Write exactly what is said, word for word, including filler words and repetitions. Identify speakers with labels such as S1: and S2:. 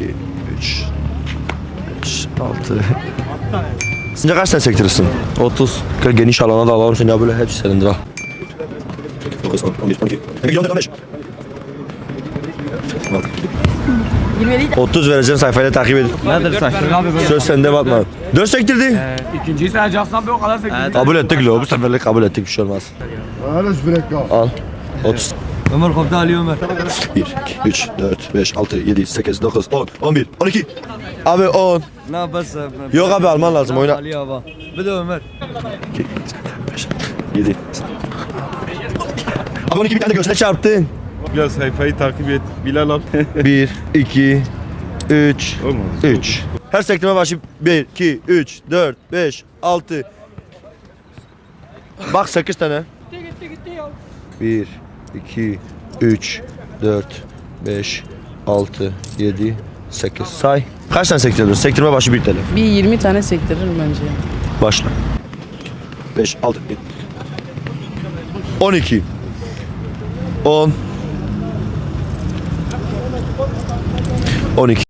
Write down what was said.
S1: iki, üç, beş, altı. Sence kaç tane sektirirsin?
S2: otuz.
S1: Gel geniş alana da alalım seni ya böyle hepsi senindir ha. dokuz, on, on bir, on iki. Peki on beş. otuz vereceğim sayfayla takip edin.
S2: Nedir saçları abi böyle?
S1: Söz sende bakma. dört sektirdi.
S2: Ee, ikinciyi sayacaksan bir o kadar sektirdik.
S1: Kabul ettik lo bu seferlik kabul ettik bir şey olmaz. Al. otuz.
S2: Ömer koptu Ali Ömer.
S1: bir, iki, üç, dört, beş, altı, yedi, sekiz, dokuz, on, on bir, on iki. Abi on.
S2: Ne yaparsın?
S1: Yok abi alman lazım oyna.
S2: Ali abi. Bir de Ömer.
S1: iki, beş, yedi. Abi on iki bir tane de göğsüne çarptın.
S3: Bilal sayfayı takip et. Bilal al.
S1: bir, iki, üç,
S3: Olmaz.
S1: üç. Her sektirme başı bir, iki, üç, dört, beş, altı. Bak sekiz tane. bir, iki, üç, dört, beş, altı, yedi, sekiz. Say. Kaç tane sektirdin? Sektirme başı bir tane.
S4: Bir yirmi tane sektiririm bence.
S1: Başla. beş, altı, yedi. on iki. on. on iki.